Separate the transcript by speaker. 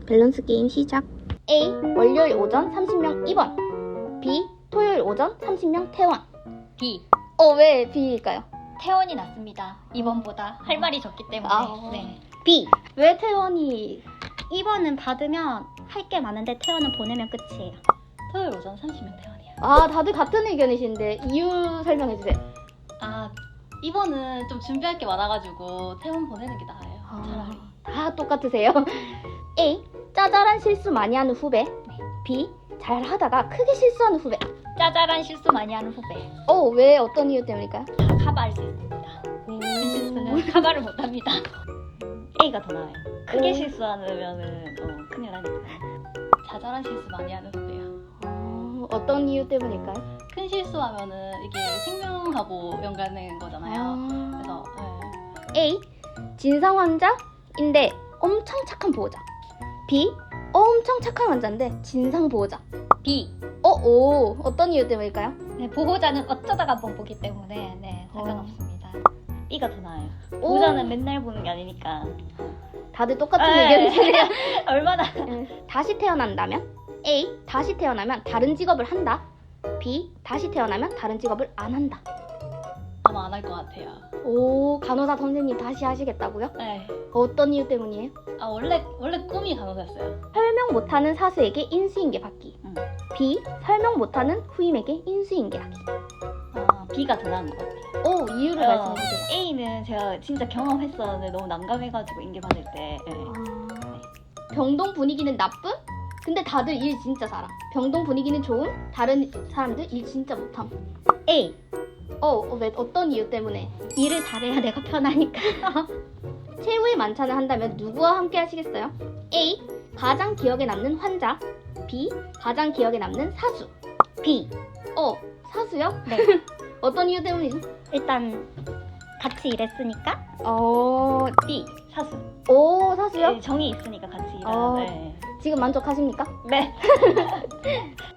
Speaker 1: 밸런스 게임 시작. A. 월요일 오전 30명 입원. B. 토요일 오전 30명 퇴원.
Speaker 2: B.
Speaker 1: 왜 B일까요?
Speaker 2: 퇴원이 낫습니다. 입원보다 할 말이 적기 때문에. 네.
Speaker 1: B. 왜 퇴원이?
Speaker 3: 입원은 받으면 할 게 많은데 퇴원은 보내면 끝이에요.
Speaker 2: 토요일 오전 30명 퇴원이요.
Speaker 1: 다들 같은 의견이신데 이유 설명해주세요.
Speaker 2: 입원은 좀 준비할 게 많아가지고 퇴원 보내는 게 나아요. 차라리.
Speaker 1: 다 똑같으세요. A. 짜잘한 실수 많이 하는 후배. B. 잘 하다가 크게 실수하는 후배.
Speaker 2: 짜잘한 실수 많이 하는 후배.
Speaker 1: 왜 어떤 이유 때문일까요?
Speaker 2: 다 커버할 수 있습니다. 큰 실수는 커버를 못합니다. A가 더 나아요. 크게 실수하면은 큰일 나니까. 자잘한 실수 많이 하는 후배요.
Speaker 1: 어떤 이유 때문일까요?
Speaker 2: 큰 실수하면은 이게 생명하고 연관된 거잖아요. 그래서
Speaker 1: A. 진상 환자인데 엄청 착한 보호자. B. 엄청 착한 환자인데 진상 보호자.
Speaker 2: B.
Speaker 1: 어떤 이유 때문일까요?
Speaker 2: 네, 보호자는 어쩌다가 한번 보기 때문에 상관없습니다. B가 더 나아요. 보호자는 맨날 보는 게 아니니까.
Speaker 1: 다들 똑같은 의견이시네요.
Speaker 2: 얼마나.
Speaker 1: 다시 태어난다면? A. 다시 태어나면 다른 직업을 한다. B. 다시 태어나면 다른 직업을 안 한다.
Speaker 2: 아마 안 할 것 같아요.
Speaker 1: 간호사 선생님 다시 하시겠다고요?
Speaker 2: 네.
Speaker 1: 어떤 이유 때문이에요?
Speaker 2: 원래 꿈이 간호사였어요.
Speaker 1: 설명 못하는 사수에게 인수인계 받기. B. 설명 못하는 후임에게 인수인계 하기.
Speaker 2: B가 더 나은 것 같아요.
Speaker 1: 이유를 말씀해주세요.
Speaker 2: A는 제가 진짜 경험했었는데 너무 난감해가지고 인계 받을 때.
Speaker 1: 병동 분위기는 나쁨? 근데 다들 일 진짜 잘함. 병동 분위기는 좋음? 다른 사람들 일 진짜 못함.
Speaker 3: A.
Speaker 1: 왜 어떤 이유 때문에?
Speaker 3: 일을 잘해야 내가 편하니까.
Speaker 1: 최후의 만찬을 한다면 누구와 함께 하시겠어요? A. 가장 기억에 남는 환자. B. 가장 기억에 남는 사수.
Speaker 3: B.
Speaker 1: 사수요?
Speaker 3: 네.
Speaker 1: 어떤 이유 때문이죠?
Speaker 3: 일단 같이 일했으니까.
Speaker 1: B.
Speaker 2: 사수.
Speaker 1: 사수요?
Speaker 2: 네, 정이 있으니까 같이 일하는.
Speaker 1: 지금 만족하십니까?
Speaker 2: 네.